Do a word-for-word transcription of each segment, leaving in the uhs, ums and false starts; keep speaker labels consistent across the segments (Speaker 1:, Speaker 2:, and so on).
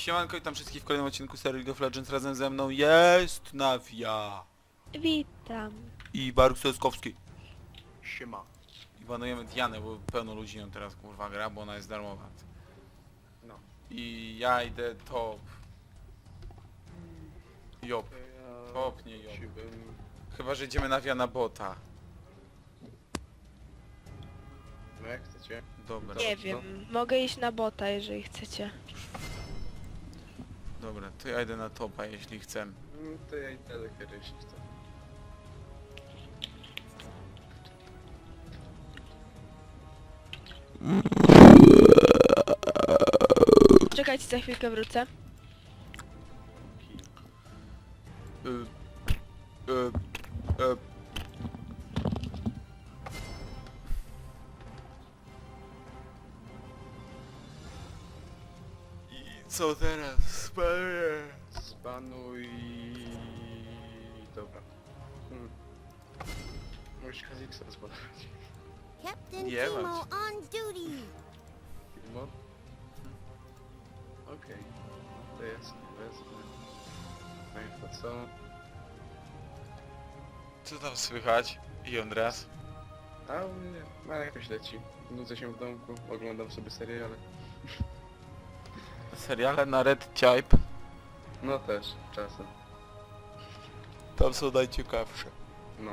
Speaker 1: Siemanko, witam wszystkich w kolejnym odcinku serii League of Legends. Razem ze mną jest Nawia
Speaker 2: Witam.
Speaker 1: i Baruk Soskowski.
Speaker 3: Siema.
Speaker 1: I banujemy Dianę, bo pełno ludzi ją teraz kurwa gra, bo ona jest darmowa.
Speaker 3: No.
Speaker 1: I ja idę top. Jop.
Speaker 3: Ja
Speaker 1: Top, nie Jop.
Speaker 3: siłbym...
Speaker 1: Chyba, że idziemy Nawia na bota.
Speaker 3: No jak chcecie.
Speaker 1: Dobra.
Speaker 2: Nie
Speaker 3: no.
Speaker 2: wiem, mogę iść na bota, jeżeli chcecie.
Speaker 1: Dobra, to ja idę na topa, jeśli chcę.
Speaker 3: Mm, To ja idę do kiedy jeśli chcę.
Speaker 2: Czekajcie, za chwilkę wrócę.
Speaker 1: Y, y, y. I co teraz? Spanuję.
Speaker 3: Zbanuj... Dobra. Hmm. Możesz Kha'Zix'a zbanować.
Speaker 4: Captain
Speaker 1: Yeah,
Speaker 4: Timo
Speaker 1: but-
Speaker 4: on duty.
Speaker 3: Filmon? Okej. To jest, wezmę. No i to co?
Speaker 1: Co tam słychać? I Andreas?
Speaker 3: A u mnie, no jakoś leci. Nudzę się w domku, oglądam sobie seriale.
Speaker 1: Seriale na Red Type?
Speaker 3: No też, czasem.
Speaker 1: Tam są najciekawsze.
Speaker 3: No.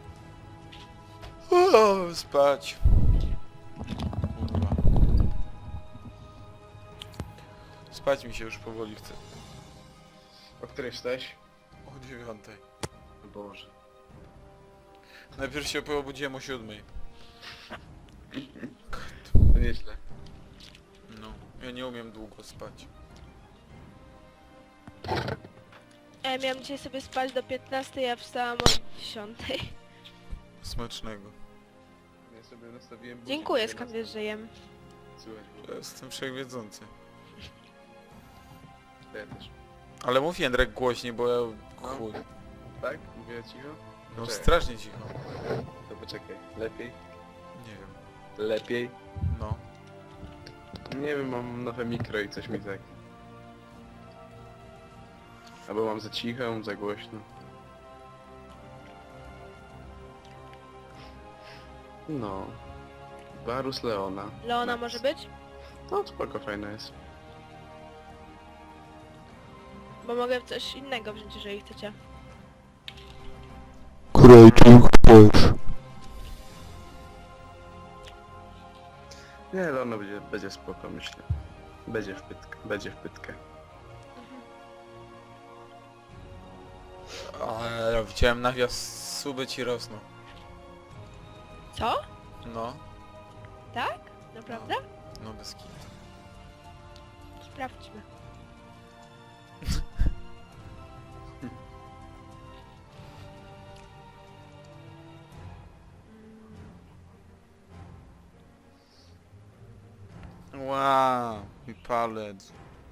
Speaker 1: O, spać. Kurwa. Spać mi się już powoli chce.
Speaker 3: O której wstałeś?
Speaker 1: O dziewiątej.
Speaker 3: O Boże.
Speaker 1: Najpierw się obudziłem o siódmej.
Speaker 3: To nieźle.
Speaker 1: No, ja nie umiem długo spać.
Speaker 2: Ja miałam dzisiaj sobie spać do piętnastej, a wstałam o dziesiątej.
Speaker 1: Smacznego.
Speaker 3: Ja sobie nastawiłem budzik,
Speaker 2: Dziękuję,
Speaker 3: żeby
Speaker 2: skąd
Speaker 3: nas-
Speaker 2: wiesz, że jem.
Speaker 3: Słuchaj,
Speaker 1: Ja jestem wszechwiedzący.
Speaker 3: to ja też.
Speaker 1: Ale mów Jędrek głośniej, bo ja... chuj.
Speaker 3: Tak? Mówię cicho?
Speaker 1: No
Speaker 3: Czekaj.
Speaker 1: strasznie cicho.
Speaker 3: To poczekaj. Lepiej?
Speaker 1: Nie wiem.
Speaker 3: Lepiej?
Speaker 1: No.
Speaker 3: Nie wiem, mam nowe mikro i coś mi tak... Albo mam za cicho, za głośno. No. Varus Leona.
Speaker 2: Leona
Speaker 3: Nice.
Speaker 2: może być?
Speaker 3: No spoko, fajne jest.
Speaker 2: Bo mogę coś innego wziąć, jeżeli chcecie.
Speaker 1: Której chcesz?
Speaker 3: Nie, Leona będzie, będzie spoko, myślę. Będzie w pytkę, będzie w pytkę.
Speaker 1: Ale widziałem nawias, suby ci rosną.
Speaker 2: Co?
Speaker 1: No.
Speaker 2: Tak? Naprawdę?
Speaker 1: No bez kitu.
Speaker 2: Sprawdźmy.
Speaker 1: Wow, i palec.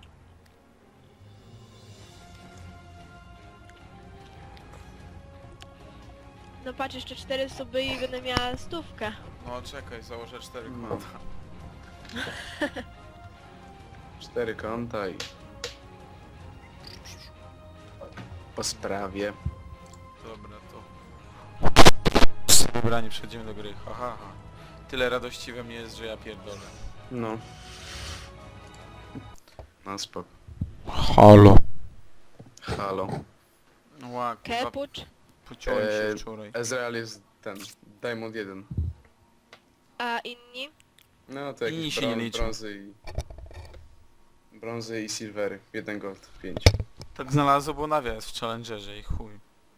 Speaker 2: No patrz, jeszcze cztery suby i będę miała stówkę.
Speaker 1: No czekaj, założę cztery
Speaker 3: No.
Speaker 1: konta.
Speaker 3: Cztery konta i... Po sprawie.
Speaker 1: Dobra, to... Dobra, nie przechodzimy do gry, ha, ha, ha. Tyle radości we mnie jest, że ja pierdolę.
Speaker 3: No. No spoko.
Speaker 1: Halo.
Speaker 3: Halo.
Speaker 1: Ła, kurwa,
Speaker 2: Kepucz.
Speaker 1: pociąłem się
Speaker 3: Eee,
Speaker 1: wczoraj.
Speaker 3: Ezreal jest ten, Diamond jeden.
Speaker 2: A inni?
Speaker 3: No to
Speaker 1: Inni
Speaker 3: jakieś
Speaker 1: się nie
Speaker 3: brą-
Speaker 1: liczą.
Speaker 3: brązy i... Brązy i silvery. Jeden gold, pięć.
Speaker 1: Tak znalazło, bo nawias w Challengerze i chuj.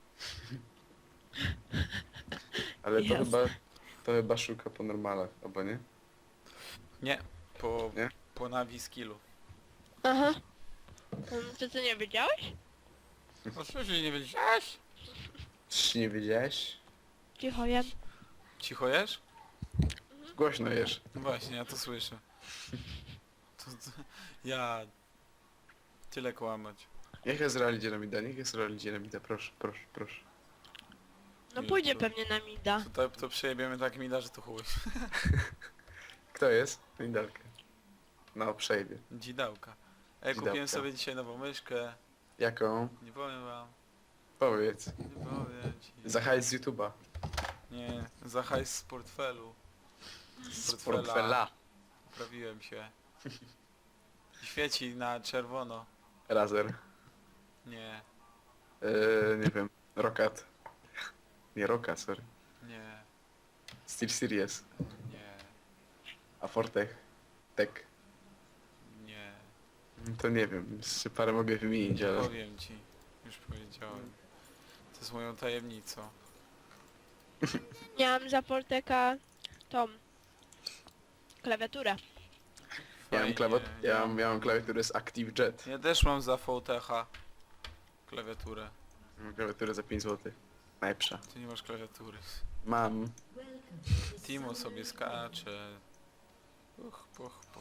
Speaker 3: Ale to
Speaker 2: Jasne.
Speaker 3: chyba... To chyba szuka po normalach, albo nie?
Speaker 1: Nie, po...
Speaker 3: Nie?
Speaker 1: po nawi skillu.
Speaker 2: Aha. Mm, Czy ty nie wiedziałeś?
Speaker 1: Oczywiście nie wiedziałeś?
Speaker 3: Czy nie wiedziałeś?
Speaker 2: Cicho jem.
Speaker 1: Cicho jesz?
Speaker 3: Głośno jesz.
Speaker 1: No właśnie, ja to słyszę. To, to, ja... Tyle kłamać.
Speaker 3: Niech Ezreal idzie na mida, niech Ezreal idzie na mida, proszę, proszę, proszę.
Speaker 2: No
Speaker 1: Nie,
Speaker 2: pójdzie
Speaker 1: to-
Speaker 2: pewnie na mida.
Speaker 1: To, to, to przejebiemy tak mida, że to chuj.
Speaker 3: Kto jest? Midalkę. No, przejdzie.
Speaker 1: Dzidałka. Ej, kupiłem
Speaker 3: Dzidełka.
Speaker 1: sobie dzisiaj nową myszkę.
Speaker 3: Jaką?
Speaker 1: Nie powiem wam.
Speaker 3: Powiedz.
Speaker 1: Nie powiem ci.
Speaker 3: Za hajs z YouTube'a.
Speaker 1: Nie, za hajs z portfelu.
Speaker 3: Z portfela.
Speaker 1: Poprawiłem się. Świeci na czerwono.
Speaker 3: Razer.
Speaker 1: Nie,
Speaker 3: Eee, nie wiem. Rokat. Nie Roka, sorry.
Speaker 1: nie,
Speaker 3: Steel Series.
Speaker 1: nie,
Speaker 3: A Fortech. Tech.
Speaker 1: nie.
Speaker 3: To nie wiem. Jeszcze parę mogę wymienić, ale...
Speaker 1: Powiem ci. Już powiedziałem. To jest moją tajemnicą.
Speaker 2: Miałam za Porteka tą klawiaturę.
Speaker 3: Ja mam,
Speaker 1: Fajnie,
Speaker 3: klawat... ja
Speaker 1: ja-
Speaker 3: mam, ja mam klawiaturę z Active Jet.
Speaker 1: Ja też mam za V T H klawiaturę.
Speaker 3: Mam klawiaturę za pięć złotych. Najlepsza.
Speaker 1: Ty nie masz klawiatury.
Speaker 3: Mam.
Speaker 1: Timo sobie skacze. Uch, puch, puch.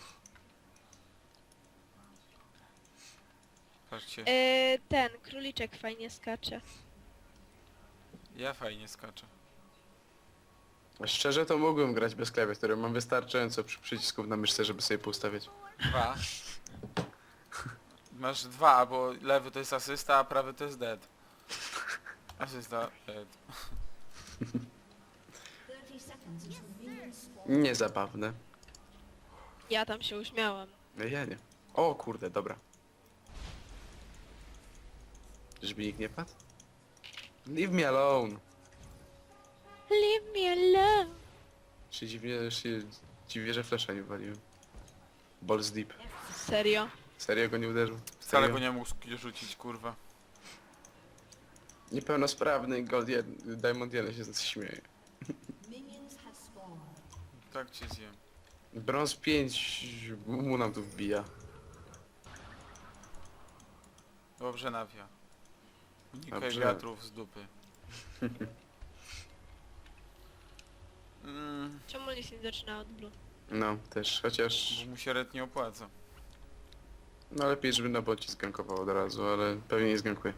Speaker 1: Patrzcie,
Speaker 2: Yy, ten króliczek fajnie skacze.
Speaker 1: ja fajnie skaczę.
Speaker 3: Szczerze to mógłbym grać bez klawiatury. Mam wystarczająco przy przycisków na myszce, żeby sobie poustawiać.
Speaker 1: Dwa. Masz dwa, bo lewy to jest asysta, a prawy to jest dead. Asysta, dead.
Speaker 3: Niezabawne.
Speaker 2: Ja tam się uśmiałam.
Speaker 3: No ja nie. O kurde, dobra. Żeby nikt nie padł? Leave me alone.
Speaker 2: Leave me alone.
Speaker 3: Się dziwnie, się dziwię, że flesza nie waliłem. Balls deep.
Speaker 2: Serio?
Speaker 3: Serio go nie uderzył?
Speaker 1: Wcale
Speaker 3: Serio?
Speaker 1: go nie mógł sk- rzucić, kurwa.
Speaker 3: Niepełnosprawny Gold jeden, Diamond jeden się śmieje.
Speaker 1: Tak cię zjem.
Speaker 3: Brąz pięć mu nam tu wbija.
Speaker 1: Dobrze nawia. Unikaj
Speaker 3: Dobrze.
Speaker 1: wiatrów z dupy. Mm,
Speaker 2: Czemu nic nie zaczyna od blue?
Speaker 3: No, też, chociaż...
Speaker 1: bo mu się red nie opłaca.
Speaker 3: No lepiej, żeby na bocie zgankował od razu, ale pewnie nie zgankuje.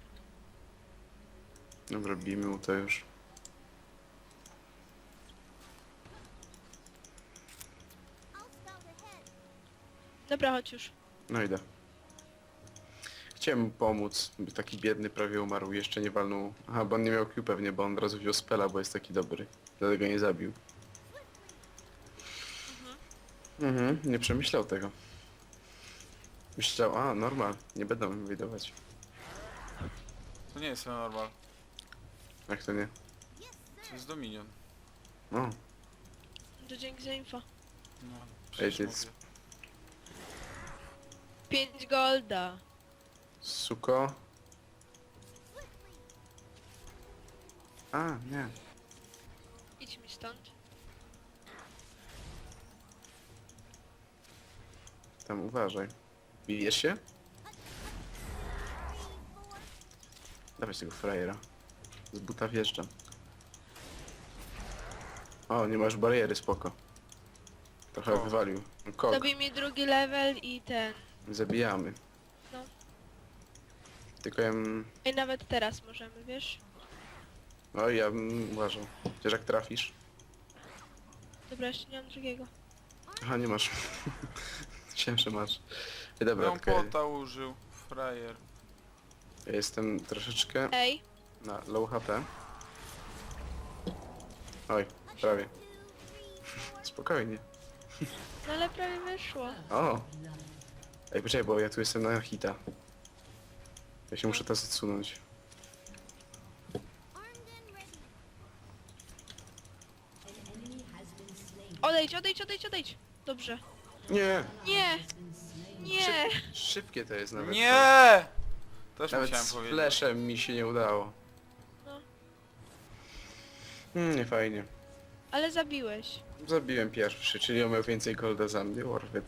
Speaker 3: Dobra, bijmy mu to już.
Speaker 4: I'll scout ahead.
Speaker 2: Dobra, chodź już.
Speaker 3: No idę. Chciałem mu pomóc, by taki biedny prawie umarł, jeszcze nie walnął. Aha, bo on nie miał Q pewnie, bo on od razu wziął spela, bo jest taki dobry. Dlatego nie zabił. Mhm, nie przemyślał tego. Myślał, a normal, nie będą mi wydawać.
Speaker 1: To nie jest normal.
Speaker 3: Jak to nie?
Speaker 1: To jest Dominion.
Speaker 3: No,
Speaker 2: To dzięki za info.
Speaker 1: No,
Speaker 3: Ej,
Speaker 1: przecież
Speaker 3: to jest-
Speaker 1: mówię.
Speaker 2: pięć golda.
Speaker 3: suko. A, nie.
Speaker 2: Idź mi stąd.
Speaker 3: Tam uważaj. Bijesz się? Dawaj tego frajera. Z buta wjeżdżam. O, nie masz bariery, spoko. Trochę
Speaker 1: O.
Speaker 3: wywalił. Kok,
Speaker 2: Zabij mi drugi level i ten.
Speaker 3: zabijamy.
Speaker 2: No.
Speaker 3: Tylko ja bym...
Speaker 2: I nawet teraz możemy, wiesz?
Speaker 3: O, ja bym uważał. Chociaż jak trafisz...
Speaker 2: Dobra, jeszcze nie mam drugiego.
Speaker 3: Aha, nie masz. Myślałem, że masz. Ej, dobra,
Speaker 1: Ją
Speaker 3: tylko ja,
Speaker 1: pota użył, frajer.
Speaker 3: ja jestem troszeczkę
Speaker 2: Ej,
Speaker 3: na low H P. Oj, prawie. Spokojnie.
Speaker 2: no ale prawie wyszło.
Speaker 3: O! Ej, poczekaj, bo ja tu jestem na hita. Ja się muszę teraz odsunąć.
Speaker 4: Armed and ready.
Speaker 2: Odejdź, odejdź, odejdź, odejdź. Dobrze.
Speaker 3: Nie!
Speaker 2: Nie! Nie!
Speaker 3: Szybkie to jest nawet.
Speaker 1: Nie! Też
Speaker 3: Nawet
Speaker 1: musiałem
Speaker 3: z
Speaker 1: powiedzieć.
Speaker 3: fleszem mi się nie udało.
Speaker 2: No.
Speaker 3: Hmm, nie fajnie.
Speaker 2: Ale zabiłeś.
Speaker 3: Zabiłem pierwszy, czyli on miał więcej golda za mnie, Warfit.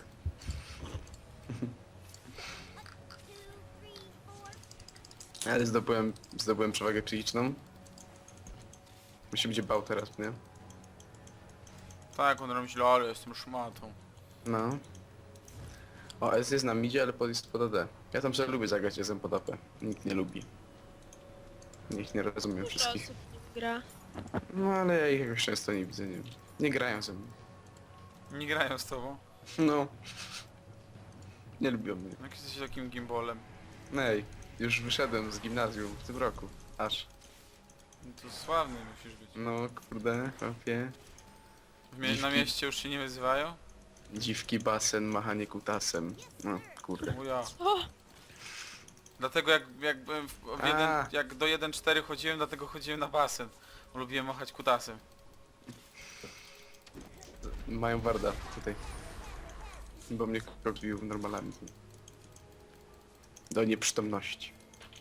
Speaker 4: Two, three, four.
Speaker 3: Ale zdobyłem, zdobyłem przewagę psychiczną. Musi być bał teraz, nie?
Speaker 1: Tak, on myślał, ale jestem szmatą.
Speaker 3: No. O, S jest na midzie, ale pod jest pod A D. Ja tam sobie lubię zagrać S pod A P. Nikt nie lubi. Nikt nie rozumie
Speaker 2: Dużo
Speaker 3: wszystkich.
Speaker 2: osób nim gra.
Speaker 3: No ale ja ich jakoś często nie widzę, nie wiem. Nie grają ze mną.
Speaker 1: Nie grają z tobą.
Speaker 3: No. Nie lubią mnie.
Speaker 1: Jak jesteś takim gimbolem?
Speaker 3: Ej, już wyszedłem z gimnazjum w tym roku. Aż.
Speaker 1: No to sławny musisz być.
Speaker 3: No kurde, chłopie.
Speaker 1: W mie- na
Speaker 3: Dziwki.
Speaker 1: mieście już się nie wyzywają?
Speaker 3: Dziwki, basen, machanie kutasem. No kurde.
Speaker 1: O ja.
Speaker 2: O!
Speaker 1: Dlatego jak, jak byłem w, w
Speaker 3: A.
Speaker 1: jeden, jak do jeden cztery chodziłem, dlatego chodziłem na basen. Bo lubiłem machać kutasem.
Speaker 3: Mają warda tutaj. Bo mnie kopił normalami. Do nieprzytomności.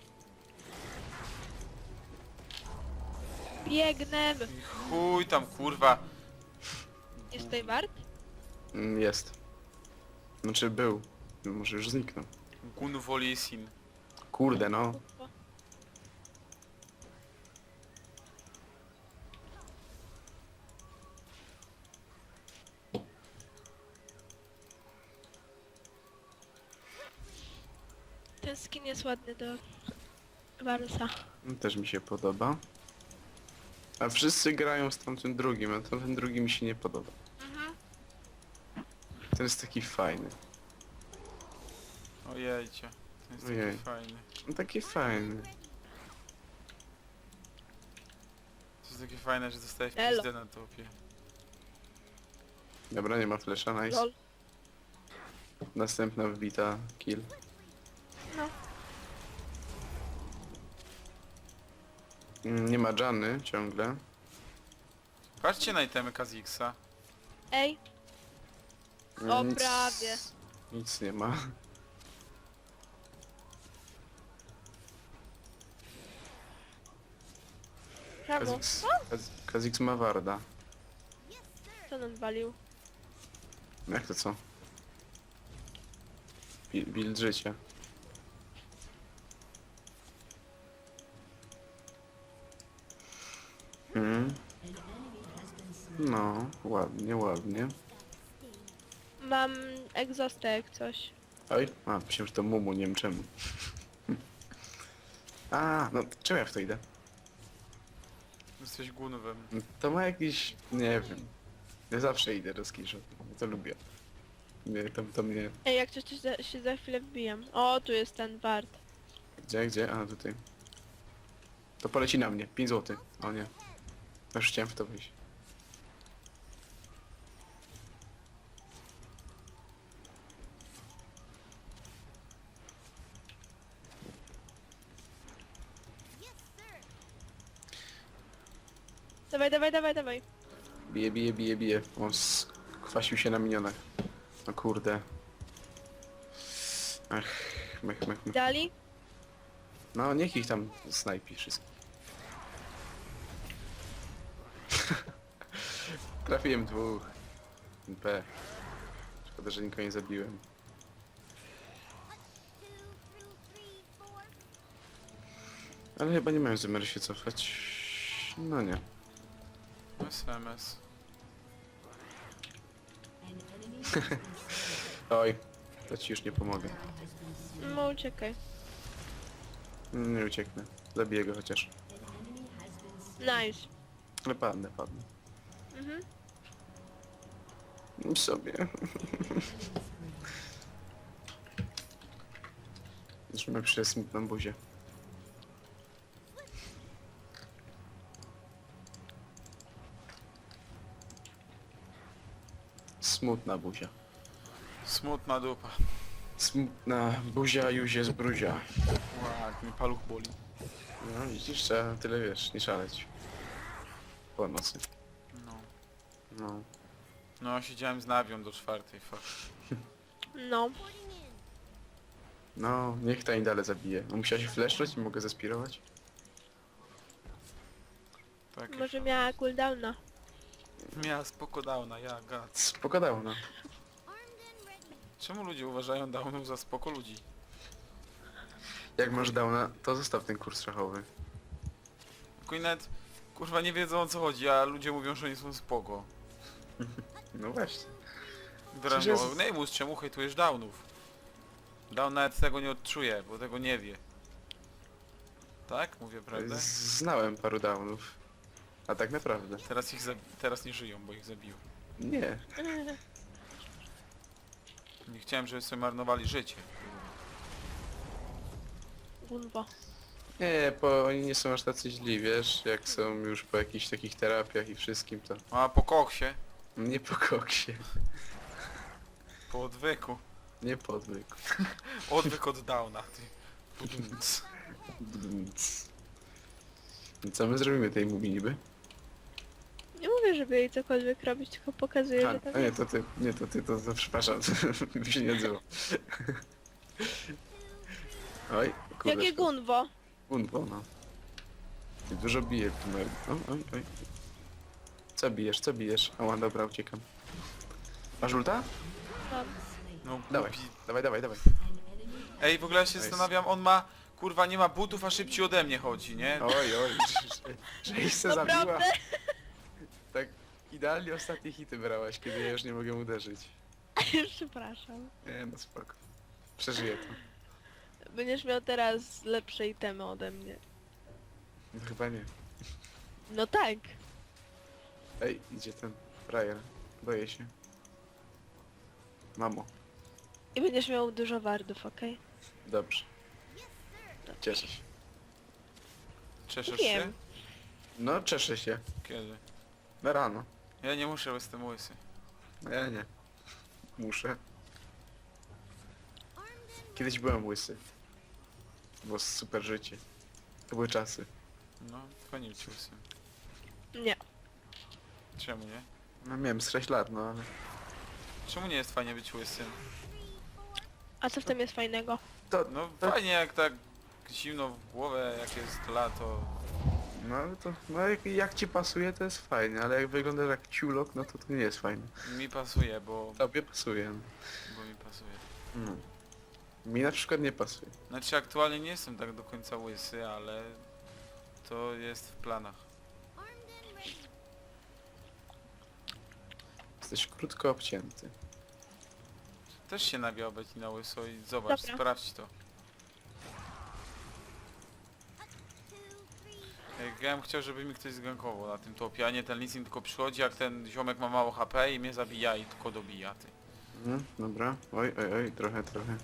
Speaker 2: Biegnę!
Speaker 1: I chuj tam kurwa.
Speaker 2: Jest tutaj wart?
Speaker 3: Mm, Jest. Znaczy był. Może już zniknął.
Speaker 1: Gunwolisin.
Speaker 3: Kurde no.
Speaker 2: O, ten skin jest ładny do Warusa.
Speaker 3: Też mi się podoba. A wszyscy grają z tamtym drugim, a ten drugi mi się nie podoba. Ten jest taki fajny.
Speaker 1: Ojejcie. To jest
Speaker 3: Ojej.
Speaker 1: taki fajny.
Speaker 3: No taki fajny.
Speaker 1: To jest takie fajne, że dostajesz
Speaker 2: Elo.
Speaker 1: pizdę na topie.
Speaker 3: Dobra, nie ma flesza, nice.
Speaker 2: Lol.
Speaker 3: Następna wbita kill.
Speaker 2: No.
Speaker 3: Mm, Nie ma Janny ciągle.
Speaker 1: Patrzcie na itemy Kazixa.
Speaker 2: Ej, O,
Speaker 3: Nic-
Speaker 2: prawie.
Speaker 3: Nic nie ma.
Speaker 2: prawo.
Speaker 3: Kazix, Kaz- Kazix ma warda.
Speaker 2: Co nam walił?
Speaker 3: Jak to co? Bi- Build życia. Mm. No, ładnie, ładnie.
Speaker 2: Mam egzostę jak coś.
Speaker 3: Oj, a, myślałem, że to Mumu, nie wiem czemu. A, no czemu ja w to idę?
Speaker 1: Jesteś gunwem.
Speaker 3: No, to ma jakiś, nie wiem. Ja zawsze idę do skiszu, to lubię. Nie, to, to mnie...
Speaker 2: Ej, jak coś to za, się za chwilę wbijam. O, tu jest ten wart.
Speaker 3: Gdzie, gdzie? A, tutaj. To poleci na mnie, pięć złotych. O nie. Już chciałem w to wyjść.
Speaker 2: Dawaj, dawaj, dawaj, dawaj.
Speaker 3: Bije, bije, bije, bije. On skwasił się na minionach. No kurde. Ach, mech, mech, mech.
Speaker 2: Dali?
Speaker 3: No niech ich tam snajpi wszystko. Trafiłem dwóch. P. Szkoda, że nikogo nie zabiłem. Ale chyba nie miałem zamiaru się cofać. No nie.
Speaker 1: S M S.
Speaker 3: Oj, to ci już nie pomogę.
Speaker 2: No uciekaj.
Speaker 3: Nie ucieknę. Zabiję go chociaż.
Speaker 2: Nice.
Speaker 3: Ale padnę, padnę.
Speaker 2: Mhm.
Speaker 3: I sobie. Już mam przez smutną buzię. Smutna buzia.
Speaker 1: Smutna dupa.
Speaker 3: Smutna buzia już jest bruzia.
Speaker 1: Ła, jak mi paluch boli.
Speaker 3: No widzisz, trzeba tyle wiesz, nie szaleć. Po nocy.
Speaker 1: No.
Speaker 3: No.
Speaker 1: No, siedziałem z nawią do czwartej, fuck.
Speaker 2: No.
Speaker 3: No, niech ta dalej zabije. No, musiała się flesznąć i mogę zaspirować?
Speaker 1: Tak.
Speaker 2: Może miała cooldowna.
Speaker 1: Miała spoko downa, ja gad.
Speaker 3: Spoko dał, no.
Speaker 1: Czemu ludzie uważają downów za spoko ludzi?
Speaker 3: Jak masz downa, to zostaw ten kurs szachowy.
Speaker 1: Tylko i nawet, kurwa, nie wiedzą o co chodzi, a ludzie mówią, że oni są spoko.
Speaker 3: No właśnie.
Speaker 1: Teraz
Speaker 3: Przecież
Speaker 1: no,
Speaker 3: jest-
Speaker 1: Neymus, czemu hejtujesz downów? Down nawet tego nie odczuje, bo tego nie wie. Tak? Mówię prawdę?
Speaker 3: Z- Znałem paru downów. A tak naprawdę.
Speaker 1: Teraz ich zabi- teraz nie żyją, bo ich zabił.
Speaker 3: Nie.
Speaker 1: Nie chciałem, żeby sobie marnowali życie.
Speaker 2: Gunwo.
Speaker 3: Nie, bo oni nie są aż tacy źli, wiesz, jak są już po jakichś takich terapiach i wszystkim, to
Speaker 1: A po koksie,
Speaker 3: nie po koksie,
Speaker 1: po odwyku.
Speaker 3: nie po odwyku.
Speaker 1: Odwyk od downa, ty. Pudumc.
Speaker 3: Co my zrobimy tej mubi niby?
Speaker 2: Nie mówię, żeby jej cokolwiek robić, tylko pokazuję,
Speaker 3: A,
Speaker 2: że tak
Speaker 3: a nie,
Speaker 2: jest.
Speaker 3: to ty, nie, to ty, to, to przepraszam, mi się nie odzywa. Oj, kurde.
Speaker 2: Jakie gunwo?
Speaker 3: Gunwo, no. Ty dużo bije w tym. Oj, oj, oj. Co bijesz, co bijesz? Ała, dobra, uciekam. Masz ulta?
Speaker 2: Mam.
Speaker 1: No
Speaker 3: Dawaj,
Speaker 1: głupi.
Speaker 3: dawaj, dawaj, dawaj.
Speaker 1: Ej, w ogóle ja się
Speaker 3: Nice.
Speaker 1: zastanawiam, on ma... Kurwa, nie ma butów, a szybciej ode mnie chodzi, nie?
Speaker 3: Oj, oj, że, że ich se zabiła.
Speaker 2: Naprawdę?
Speaker 3: Tak idealnie ostatnie hity brałaś, kiedy ja już nie mogę uderzyć.
Speaker 2: Przepraszam.
Speaker 3: Nie, no spoko. Przeżyję to.
Speaker 2: Będziesz miał teraz lepsze itemy ode mnie.
Speaker 3: No chyba nie.
Speaker 2: No tak.
Speaker 3: Ej, idzie ten frajer. Boję się. Mamo,
Speaker 2: I będziesz miał dużo wardów, okej?
Speaker 3: dobrze. Cieszę się.
Speaker 1: Cieszysz
Speaker 2: Wiem.
Speaker 1: się?
Speaker 3: No, cieszę się.
Speaker 1: Kiedy?
Speaker 3: Na rano.
Speaker 1: Ja nie muszę, bo jestem łysy.
Speaker 3: No ja nie. Muszę. Kiedyś byłem łysy. Było super życie. To były czasy.
Speaker 1: No, fajnie być łysym.
Speaker 2: Nie.
Speaker 1: Czemu nie?
Speaker 3: No miałem z sześć lat, no ale...
Speaker 1: Czemu nie jest fajnie być łysym?
Speaker 2: A co w tym jest fajnego?
Speaker 3: To,
Speaker 1: No
Speaker 3: to...
Speaker 1: fajnie jak tak zimno w głowę, jak jest lato.
Speaker 3: No ale to... No jak, jak ci pasuje, to jest fajnie, ale jak wyglądasz jak ciulok, no to to nie jest fajne.
Speaker 1: Mi pasuje, bo,
Speaker 3: Tobie pasuje. no.
Speaker 1: bo mi pasuje.
Speaker 3: No. Mi na przykład nie pasuje.
Speaker 1: Znaczy aktualnie nie jestem tak do końca łysy, ale to jest w planach.
Speaker 3: Jesteś krótko obcięty.
Speaker 1: Też się nabiał być na łyso i zobacz,
Speaker 2: Dobra.
Speaker 1: sprawdź to. Jak ja bym chciał, żeby mi ktoś zgankował na tym topie, a nie ten Lee Sin tylko przychodzi, jak ten ziomek ma mało H P i mnie zabija i tylko dobija, ty.
Speaker 3: Mhm, dobra. Oj, oj, oj, trochę, trochę.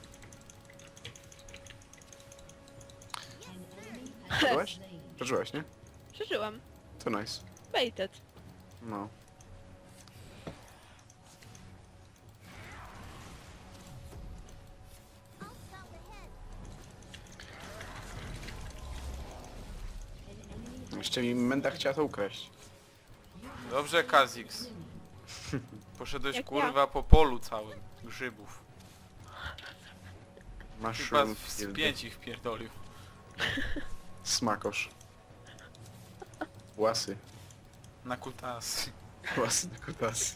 Speaker 3: Przeżyłaś? Przeżyłaś, nie?
Speaker 2: Przeżyłam.
Speaker 3: To nice.
Speaker 2: Baited.
Speaker 3: No. Jeszcze mi Menda chciała to ukraść.
Speaker 1: Dobrze, Kazix. Poszedłeś
Speaker 2: Jak
Speaker 1: kurwa po polu całym grzybów. Chyba
Speaker 3: Mushroom
Speaker 1: z
Speaker 3: field.
Speaker 1: pięć ich pierdolił.
Speaker 3: Smakosz. Łasy.
Speaker 1: Na kutasy.
Speaker 3: Łasy na kutasy.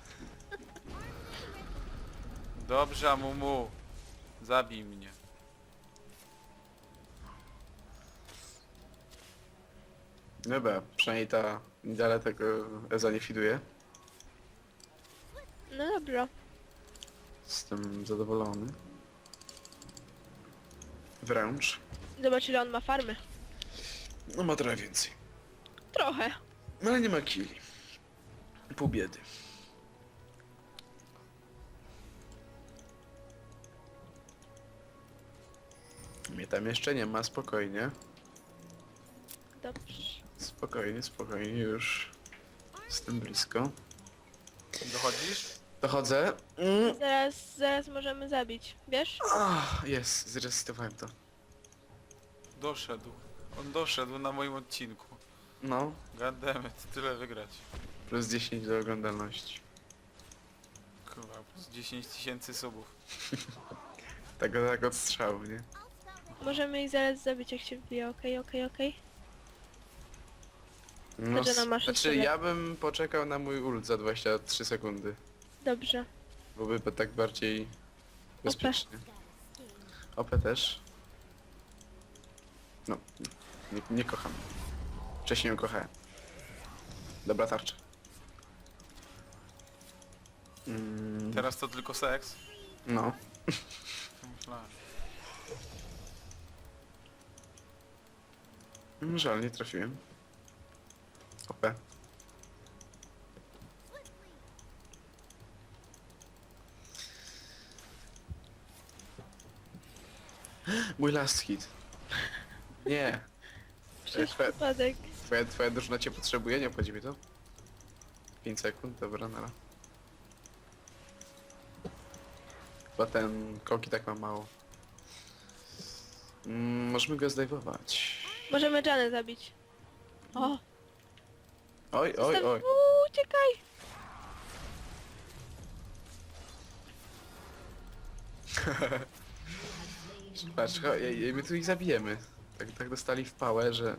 Speaker 1: Dobrze, Amumu. Zabij mnie.
Speaker 3: Dobra, przynajmniej ta Nidale tego Eza nie fiduje.
Speaker 2: No dobra.
Speaker 3: Jestem zadowolony. Wręcz.
Speaker 2: Zobacz ile on ma farmy.
Speaker 3: No ma trochę więcej.
Speaker 2: Trochę.
Speaker 3: No ale nie ma killi. Pół biedy. Mnie tam jeszcze nie ma, spokojnie.
Speaker 2: Dobrze.
Speaker 3: Spokojnie, spokojnie, już jestem blisko.
Speaker 1: Dochodzisz?
Speaker 3: Dochodzę. Mm.
Speaker 2: Zaraz, zaraz możemy zabić. Wiesz?
Speaker 3: Ah, jest, zresetowałem to.
Speaker 1: Doszedł. On doszedł na moim odcinku.
Speaker 3: No,
Speaker 1: Goddammit, tyle wygrać.
Speaker 3: plus dziesięć do oglądalności.
Speaker 1: Kurwa, plus dziesięć tysięcy subów.
Speaker 3: Tak, tak od strzału, nie?
Speaker 2: Możemy ich zaraz zabić jak się wbije. Okej, okej, okej.
Speaker 3: No,
Speaker 2: Chodź, ona ma
Speaker 3: znaczy
Speaker 2: szósty
Speaker 3: ja bym poczekał na mój ult za dwadzieścia trzy sekundy.
Speaker 2: Dobrze.
Speaker 3: Byłoby tak bardziej bezpiecznie. O P też. No, nie, nie kocham. Wcześniej ją kochałem. Dobra tarcza. Mm,
Speaker 1: Teraz to tylko seks?
Speaker 3: no.
Speaker 1: Myślałem.
Speaker 3: Mm, Żal, nie trafiłem. O P. Mój last hit. Nie.
Speaker 2: Przez
Speaker 3: Twoja,
Speaker 2: przypadek.
Speaker 3: twoja, twoja drużyna cię potrzebuje, nie obchodzi mi to? pięć sekund, dobra, nara. Chyba ten koki tak ma mało. Mm, możemy go zdejmować.
Speaker 2: Możemy Janę zabić. O!
Speaker 3: Oj, oj,
Speaker 2: Zostaw...
Speaker 3: oj.
Speaker 2: Uuu, uciekaj!
Speaker 3: Patrz, cho- je- je- my tu ich zabijemy. Tak, tak dostali w pałę, że...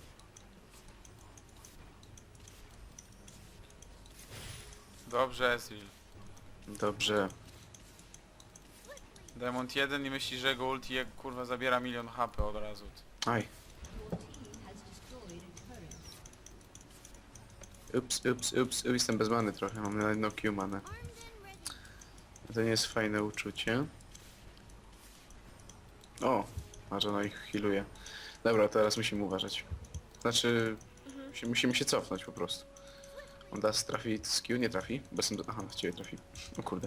Speaker 1: Dobrze, Ezreal.
Speaker 3: Dobrze.
Speaker 1: Diamond jeden i myśli, że jego ulti jak kurwa zabiera milion H P od razu.
Speaker 3: Aj. Ups, ups, ups, ups, jestem bez many trochę, mam na jedno Q manę.
Speaker 4: Armed and ready.
Speaker 3: To nie jest fajne uczucie. O, a że ona ich healuje. Dobra, teraz musimy uważać. Znaczy,
Speaker 2: Mhm.
Speaker 3: musi- musimy się cofnąć po prostu. On das trafi z Q, nie trafi? Bo jestem do... Aha, w ciebie trafi. O kurde.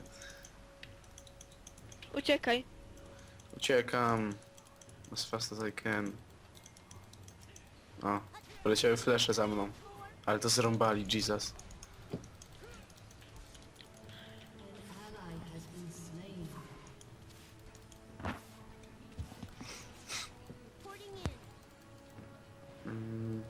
Speaker 2: Uciekaj.
Speaker 3: Uciekam. As fast as I can. O, poleciały flesze za mną. Ale to zrąbali, Jesus.
Speaker 4: Porting in.
Speaker 3: Mm.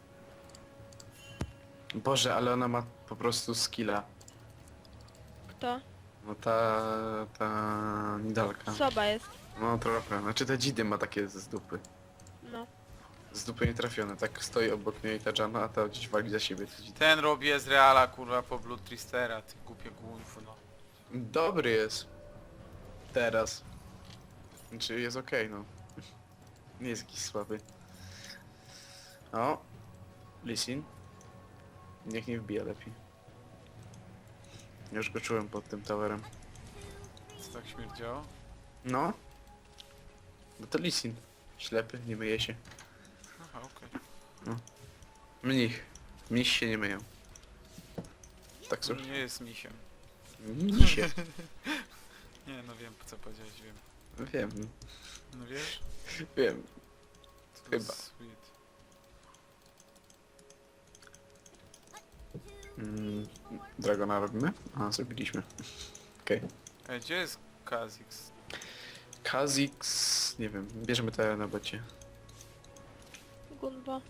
Speaker 3: Boże, ale ona ma po prostu skilla.
Speaker 2: Kto?
Speaker 3: No ta... ta... Nidalka.
Speaker 2: Soba jest.
Speaker 3: No trochę. Znaczy te dzidy ma takie z dupy.
Speaker 2: No.
Speaker 3: Z dupy nie trafione. Tak stoi obok niej ta Jana, a ta gdzieś wali za siebie te dzidy.
Speaker 1: Ten robi Ezreala kurwa po Blood Tristera, ty głupie główno. No.
Speaker 3: Dobry jest. Teraz. Znaczy jest okej, no. Nie jest jakiś słaby. O. Lisin. Niech nie wbija lepiej. Już go czułem pod tym towerem.
Speaker 1: Co tak śmierdziało?
Speaker 3: No. No to Lisin. Ślepy, nie myje się.
Speaker 1: Aha, okej.
Speaker 3: Mnich. Mnich się nie myją. Tak
Speaker 1: Okay.
Speaker 3: słuchaj.
Speaker 1: Nie jest misiem.
Speaker 3: Mnisie.
Speaker 1: Nie, no wiem co powiedziałeś, wiem.
Speaker 3: Wiem.
Speaker 1: No wiesz?
Speaker 3: Wiem.
Speaker 1: To
Speaker 3: Chyba.
Speaker 1: Sweet.
Speaker 3: Mm, Dragona robimy? A, zrobiliśmy. Okej.
Speaker 1: Ej, gdzie jest Kha'Zix?
Speaker 3: Kha'Zix... nie wiem, bierzemy to na bocie.
Speaker 2: Gunbo.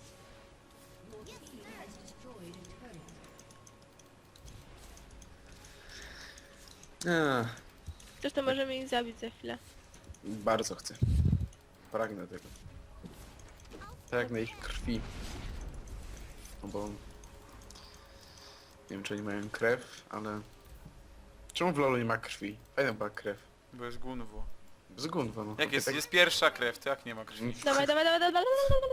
Speaker 3: A,
Speaker 2: Zresztą możemy ich zabić za chwilę.
Speaker 3: bardzo chcę. Pragnę tego. Pragnę ich krwi. No bo... nie wiem czy oni mają krew, ale... Czemu w lolu nie ma krwi? Fajna była krew.
Speaker 1: Bo jest Gunwo.
Speaker 3: Z Gunwa, no.
Speaker 1: Jak jest?
Speaker 3: Tak-
Speaker 1: Jest pierwsza krew, to jak nie ma krwi?
Speaker 2: Dawaj, dawaj, dawaj, dawaj.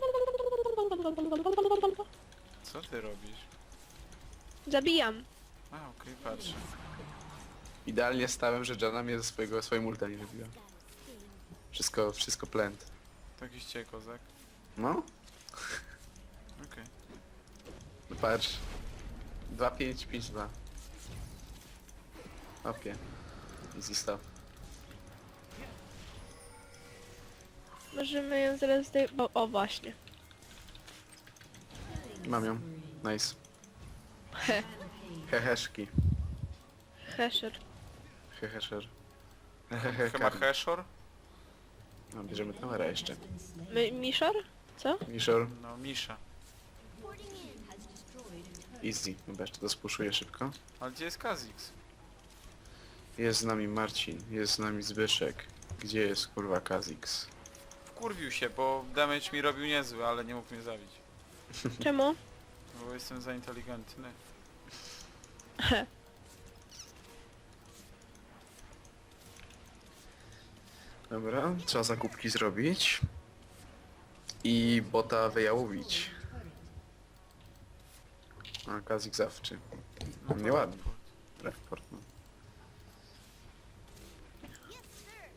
Speaker 1: Co ty robisz?
Speaker 2: Zabijam.
Speaker 1: A, okej, patrz.
Speaker 3: Idealnie stałem, że Jana mnie ze swojego, swojej multa nie wybiła. Wszystko, wszystko plent.
Speaker 1: Taki ście kozak.
Speaker 3: No,
Speaker 1: Okej.
Speaker 3: no patrz. dwa pięć pięć dwa. Opie. Easy stuff.
Speaker 2: Możemy ją zaraz zdej... Bo, o właśnie.
Speaker 3: Mam ją. Nice.
Speaker 2: He.
Speaker 3: Heheszki.
Speaker 2: Hesher.
Speaker 3: Heheszer.
Speaker 1: Chyba Heshor?
Speaker 3: No, bierzemy towera jeszcze.
Speaker 2: My, Mishor? Co?
Speaker 3: Mishor.
Speaker 1: No, Misha.
Speaker 4: Porting in.
Speaker 3: Easy. Dobra, jeszcze to spuszuję szybko.
Speaker 1: Ale gdzie jest Kha'Zix?
Speaker 3: Jest z nami Marcin. Jest z nami Zbyszek. Gdzie jest kurwa Kha'Zix?
Speaker 1: Wkurwił się, bo damage mi robił niezły, ale nie mógł mnie zabić.
Speaker 2: Czemu?
Speaker 1: Bo jestem za inteligentny.
Speaker 3: Dobra, trzeba zakupki zrobić. I bota wyjałowić. A, Kazik zawczy.
Speaker 1: No to
Speaker 3: Nieładnie.
Speaker 1: tak.
Speaker 3: Report, no.
Speaker 4: Yes, sir.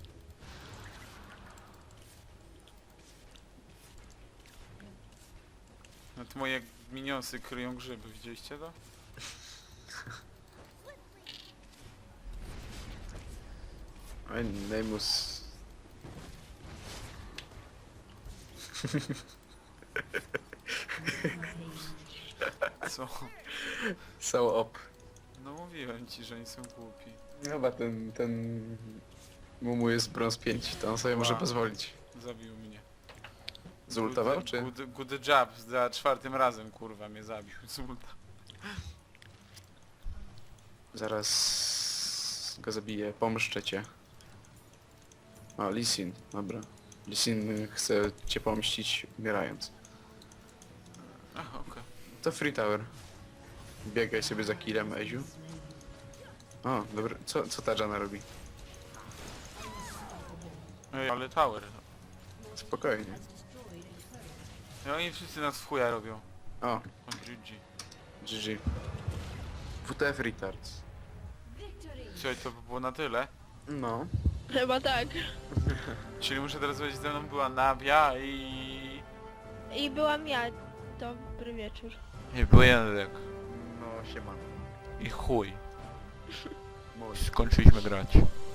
Speaker 1: No to moje minionsy kryją grzyby, widzieliście to?
Speaker 3: Oj, Nemus...
Speaker 1: Co?
Speaker 3: So op.
Speaker 1: No mówiłem ci, że oni są głupi.
Speaker 3: Chyba ten, ten... Mumu jest brąz pięć, to on sobie może
Speaker 1: Wow.
Speaker 3: pozwolić.
Speaker 1: Zabił mnie.
Speaker 3: Zultował,
Speaker 1: Good-
Speaker 3: czy?
Speaker 1: Good, good job, za czwartym razem kurwa mnie zabił. Z ulta.
Speaker 3: Zaraz go zabiję, pomszczę cię. O, Lee Sin, dobra. Lee Sin chce cię pomścić umierając.
Speaker 1: Aha, okej.
Speaker 3: To Free Tower. Biegaj sobie za killem, Eziu. O, dobra. Co, co ta Jana robi?
Speaker 1: Ej, ale tower.
Speaker 3: Spokojnie.
Speaker 1: No oni wszyscy nas w chuja robią.
Speaker 3: O,
Speaker 1: O, G G.
Speaker 3: G G. W T F retards.
Speaker 1: Słuchaj, to by było na tyle.
Speaker 3: No.
Speaker 2: Chyba tak.
Speaker 1: Czyli muszę teraz powiedzieć, ze mną była Navia i...
Speaker 2: I byłam ja. Dobry wieczór.
Speaker 1: I był Jędrek.
Speaker 3: No, siema.
Speaker 1: I chuj.
Speaker 3: Mój.
Speaker 1: Skończyliśmy grać.